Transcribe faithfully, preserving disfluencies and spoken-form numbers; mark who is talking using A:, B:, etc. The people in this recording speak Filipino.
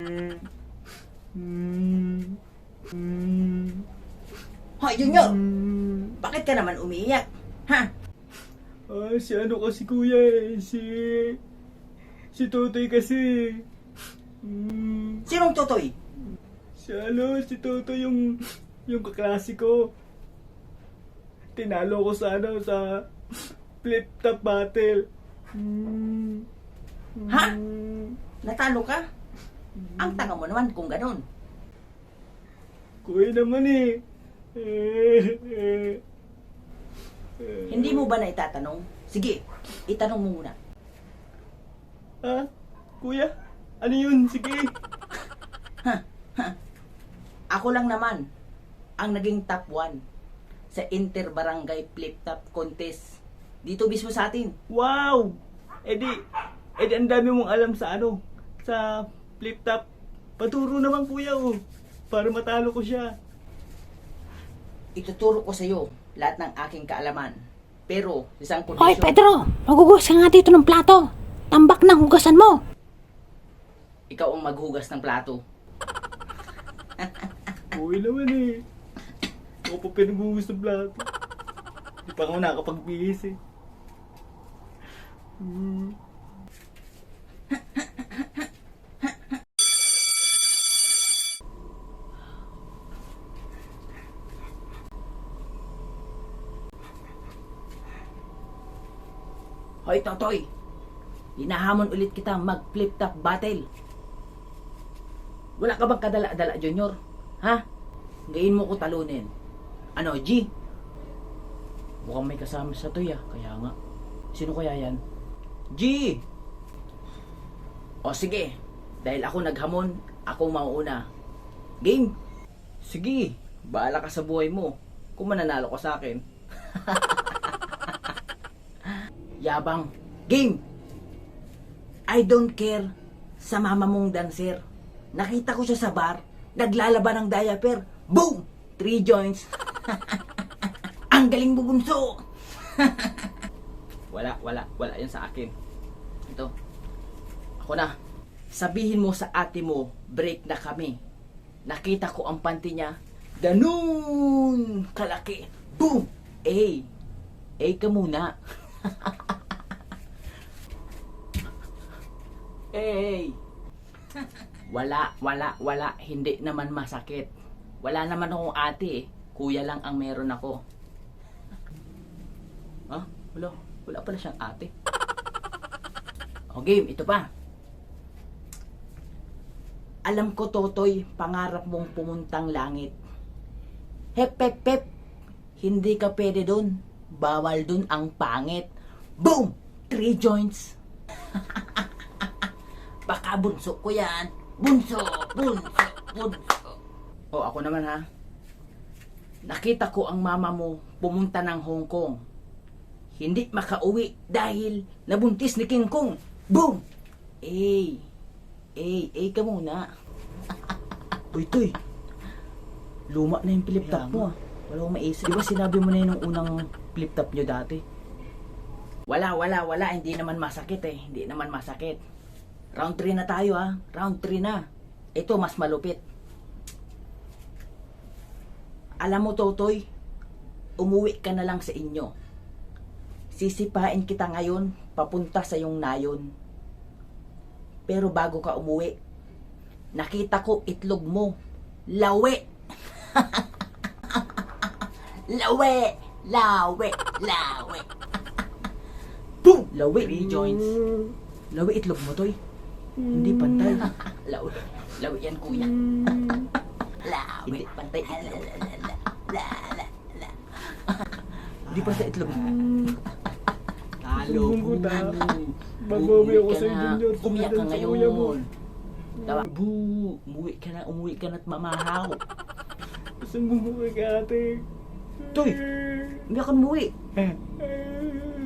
A: Hoy, Junior! Bakit ka naman umiiyak? Ha?
B: Ah, si ano kasi kuya eh, si... Si Totoy kasi. Mm,
A: Sinong Totoy?
B: si ano, si Totoy yung... Yung kaklase ko. Tinalo ko sa ano, sa... Flip top battle. Mm,
A: Ha?
B: mm,
A: Natalo ka? Ang tanga mo naman kung ganun.
B: Kuya naman eh. Eh, eh, eh.
A: Hindi mo ba na itatanong? Sige, itanong mo muna.
B: Ha? Kuya? Ano yun? Sige.
A: Ako lang naman ang naging top one sa Inter-Barangay Flip-Top Contest dito mismo sa atin.
B: Wow! Eh di, eh di ang dami mong alam sa ano, sa flip top. Paturo naman kuya oh, para matalo ko siya.
A: Ituturo ko sa iyo lahat ng aking kaalaman. Pero, isang
C: Hoy,
A: kondisyon.
C: Pedro! Magugas ka nga dito ng plato. Tambak ng hugasan mo.
A: Ikaw ang maghugas ng plato.
B: Uy naman eh. Ako pa pinaghugas ng plato. Di pa ako nakakapag-bihis eh. Hmm.
A: Hoy, Totoy! Hinahamon ulit kita mag-flip-top battle. Wala ka bang kadala-dala, Junior? Ha? Ngayon mo ko talunin. Ano, G? Mukhang may kasama sa to ya, kaya nga. Sino kaya yan? G! O sige, dahil ako naghamon, ako mauuna. Game? Sige, bahala ka sa buhay mo. Kung mananalo ka sa akin. Yabang. Game! I don't care sa mama mong dancer. Nakita ko siya sa bar, naglalaban ng diaper. Boom! Three joints. Ang galing mo, bunso! wala, wala, wala yan sa akin. Ito. Ako na. Sabihin mo sa ate mo, break na kami. Nakita ko ang panty niya. Ganun! Kalaki. Boom! Eh! Eh ka muna. Hey! Wala, wala, wala. Hindi naman masakit. Wala naman akong ate eh. Kuya lang ang meron ako. Ha? Wala. Wala pala siyang ate. O game, ito pa. Alam ko, Totoy, pangarap mong pumuntang langit. Hep, hep, hep. Hindi ka pwede dun. Bawal dun ang pangit. Boom! Three joints. Baka bunso ko yan. Bunso, bunso, bunso. O ako naman ha. Nakita ko ang mama mo pumunta ng Hong Kong. Hindi makauwi dahil nabuntis ni King Kong. Boom! Eh, eh, eh ka muna.
B: Uy, Toy.
A: Luma na yung flip top mo ah. Wala akong maisip. Di ba sinabi mo na yun nung unang flip top nyo dati? Wala, wala, wala. Hindi naman masakit eh. Hindi naman masakit. Round three na tayo ah. Round three na. Ito mas malupit. Alam mo, Totoy, umuwi ka na lang sa inyo. Sisipain kita ngayon papunta sa yung nayon. Pero bago ka umuwi, nakita ko itlog mo. Lawe! Lawe! Lawe! Lawe! Boom! Lawe, three joints. Lawe itlog mo, Toy. Hindi pantay. Lawe. Lawe yan, kuya. Lawe. Hindi pantay itlog. La, la, la. Hindi pantay itlog mo. Talo
B: Sumbong ko ta.
A: mo.
B: Babawi ako
A: Umuwi ka
B: sa
A: na.
B: Junior.
A: Umiyak ka
B: Sumundan sa kuya mo.
A: ngayon. Tawa. Boo! Umuwi ka na, umuwi ka na't mamahaw.
B: Sumbong ko kay ate.
A: Toy! Umiyak ka na umuwi.
B: Eh.